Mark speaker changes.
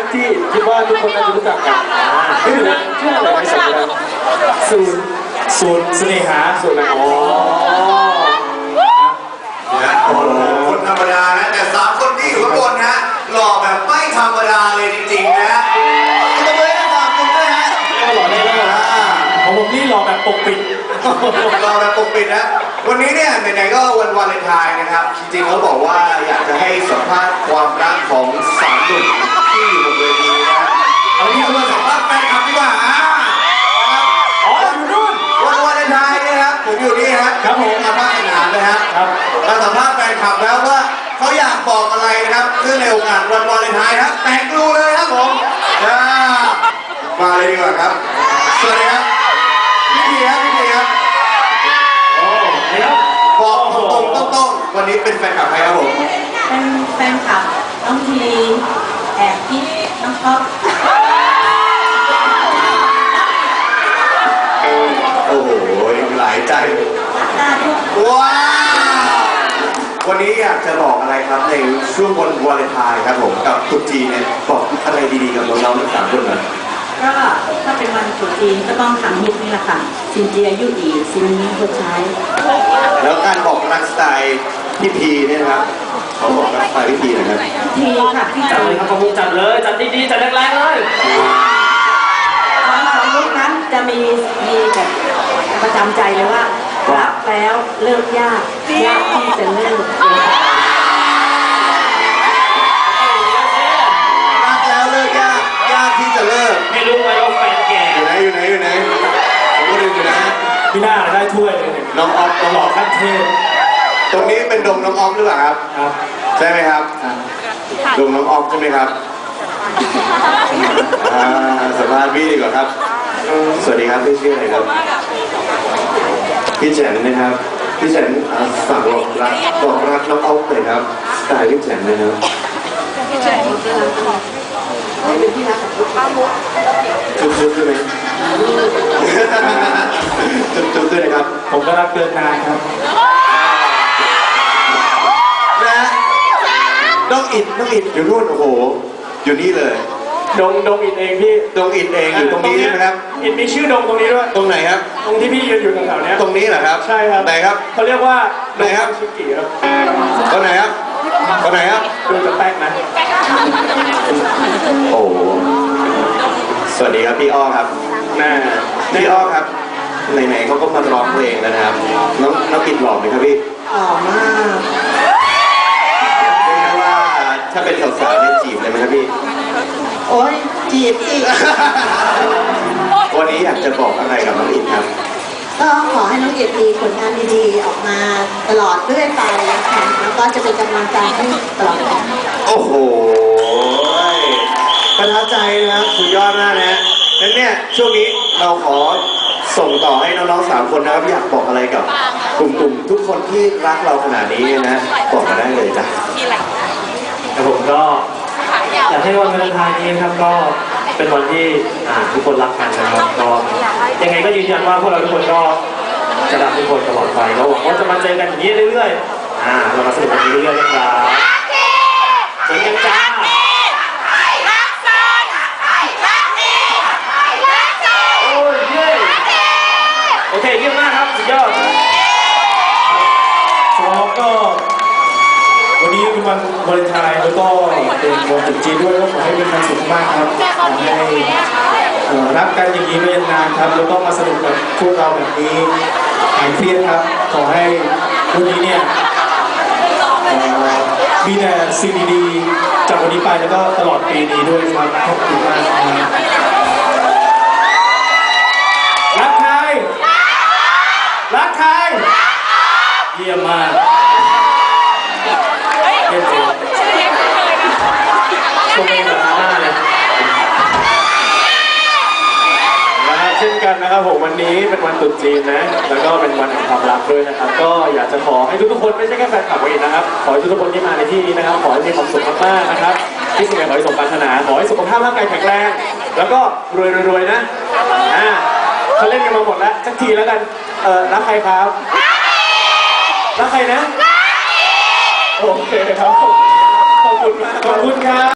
Speaker 1: ที่คิดว่าทุกคนน่าจะรู้จักกันชื่ออะไรไม่ใช่สูตรเสน่หาสูตรอะไรอ๋อ
Speaker 2: คนธรรมดานะแต่3 คนที่อยู่ข้างบนฮะหล่อแบบไม่ธรรมดาเลยจริงๆนะตบมือให้ทั้ง3 คนด้วยฮะ
Speaker 1: หล่อได้แล้วของผมนี่หล่อแบบปกปิด
Speaker 2: หล่อแบบปกปิดนะวันนี้เนี่ยไหนๆก็วันวาเลนไทน์นะครับจริงๆเขาบอกว่าอยากจะให้สัมภาษณ์ความรักของ3 หนุ่มที่อยู่บนเวทีนะเอาที่มาสัมภาษณ์แฟนคลับดีกว่า
Speaker 1: อ๋ออยู่นู่น
Speaker 2: วันวาเลนไทน์นะครับผมอยู่นี่ครับผมมาบ้านสนามเลยครับมาสัมภาษณ์แฟนคลับแล้วว่าเขาอยากบอกอะไรนะครับเนื่องในโอกาสวันวาเลนไทน์ครับแต่งดูเลยครับผมมาเลยดีกว่าครับสวัสดีครับพี่พีครับ
Speaker 1: โอ้ครับ
Speaker 2: บอกตรงๆวันนี้เป็นแฟนคลับใครครับผม
Speaker 3: เป็นแฟนคลับน้องทีแอบคิดน้องท็อป
Speaker 2: โอ้โหหลายใจว้าววันนี้อยากจะบอกอะไรครับในช่วงวันวาเลนไทน์ครับผมกับตุ๊กจีเนี่ยบอกอะไรดีๆกับน้องๆทั้ง3 คนนะ
Speaker 3: ก็ถ้าเป็นวันตรุษจีนก็ต้องทำฮิตนี่แหละค่ะซินเจียยุดีซินนี้คนใช้
Speaker 2: แล้วการบอกรักสไตล์พี่พีเนี่ยนะครับเขาบอกรักสไตล์พี่พีนะครับ
Speaker 3: พีค่ะพี่
Speaker 1: จัดเลยครับขอบคุณจัดเลยจัดดีๆจัดแรงๆเลย
Speaker 3: วันของลูกนั้นจะมีแบบประจำใจเลยว่ารักแล้วเลิกยากที่จะเลิก
Speaker 2: รักแล้วเลิกยากที่จะเลิก
Speaker 1: ไม่รู้ไหมว่าแฟนแก่
Speaker 2: อยู่ไหนผมก็ดูอยู่นะ
Speaker 1: พี่หน้าได้ถ้วยเลย
Speaker 2: น้องออฟ
Speaker 1: หล่อขั้นเทพ
Speaker 2: ตรงนี้เป็นดงน้องออฟหรือเปล่าครับใช่ไหมครับดงน้องออฟใช่ไหมครับสัมภาษณ์พี่ดีกว่าครับสวัสดีครับพี่ชื่ออะไรครับพี่แจนนะครับพี่แจนฝากบอกรักน้องออฟเลยครับสไตล์พี่แจนนะครับ
Speaker 3: พี่แจนเป็นที่รักของลูกค้ามุก
Speaker 2: จุ๊บใช่ไหมจุ๊บด้วยนะครับ
Speaker 1: ผมก็รักเกินนานครับ
Speaker 2: นะน้องอิดอยู่นู่นโอ้โหอยู่นี่เลย
Speaker 1: ดงอิดเองพี่
Speaker 2: ดงอิดเองอยู่ตรงนี้นะครับ
Speaker 1: อิดมีชื่อดงตรงนี้ด้วย
Speaker 2: ตรงไหนครับ
Speaker 1: ตรงที่พี่ยืนอยู่แถวๆนี้
Speaker 2: ตรงนี้เหรอครับ
Speaker 1: ใช่ครับ
Speaker 2: ไหนครับ
Speaker 1: เขาเรียกว่า
Speaker 2: ไหนครับ
Speaker 1: ชิกิครับ
Speaker 2: ตรงไหนครับ
Speaker 1: ดูจะแป๊กนะ
Speaker 2: โอ้สวัสดีครับพี่อ้อครับพี่อ้อครับไหนๆเขาก็มาร้องเพลงแล้วนะครับน้องปิดหล่อไหมครับพี่
Speaker 3: หล่อมาก
Speaker 2: เรียกว่าถ้าเป็นสาวๆเนี่ยจีบเลยไหมครับพี่
Speaker 3: โอ้ยจีบสิ
Speaker 2: วันนี้อยากจะบอกอะไรกับน้องอิดครับ
Speaker 3: ก็ขอให้น้องอิดมีผลงานดีๆออกมาตลอดเรื่อยไปค่ะแล้วก็จะเป็นกำลังใจให้ตลอดไป
Speaker 2: โอ้โหประทับใจนะครับสุดยอดมากนะงั้นเนี่ยช่วงนี้เราขอส่งต่อให้น้องๆ3 คนนะครับอยากบอกอะไรกับกลุ่มทุกคนที่รักเราขนาดนี้นะบอกมาได้เลยจ้ะ
Speaker 1: แต่ผมก็อยากให้วันวาเลนไทน์นี้ครับก็เป็นวันที่ทุกคนรักกันนะครับก็ยังไงก็ยืนยันว่าพวกเราทุกคนก็จะรักทุกคนตลอดไปแล้วหวังว่าจะมาเจอกันอย่างนี้เรื่อยๆเรามาสนุกกันเรื่อยๆนะครับเจอกันจ้าโอเคเยี่ยมมากครับสุดยอดก็วันนี้เป็นวันวาเลนไทน์แล้วก็เป็นวันตรุษจีนด้วยก็ขอให้เป็นความสุขมากครับขอให้รักกันอย่างนี้ไปนานครับแล้วก็มาสนุกกับพวกเราแบบนี้หายเครียดครับขอให้วันนี้เนี่ยมีแต่สิ่งดีๆจากวันนี้ไปแล้วก็ตลอดปีนี้ด้วยครับขอบคุณมากรักใครเยี่ยมมากเยี่ยมจริงชมเองแบบหน้าเลยนะครับเช่นกันนะครับผมวันนี้เป็นวันตรุษจีนนะแล้วก็เป็นวันแห่งความรักด้วยนะครับก็อยากจะขอให้ทุกๆคนไม่ใช่แค่แฟนคลับเองนะครับขอให้ทุกๆคนที่มาในที่นี้นะครับขอให้มีความสุขมากๆนะครับที่สิ่งใดขอให้สมปรารถนาขอให้สุขภาพร่างกายแข็งแรงแล้วก็รวยๆนะเขาเล่นกันมาหมดแล้วสักทีแล้วกันรักใครครับรักใครนะโอเคครับขอบคุณมากขอบคุณครับ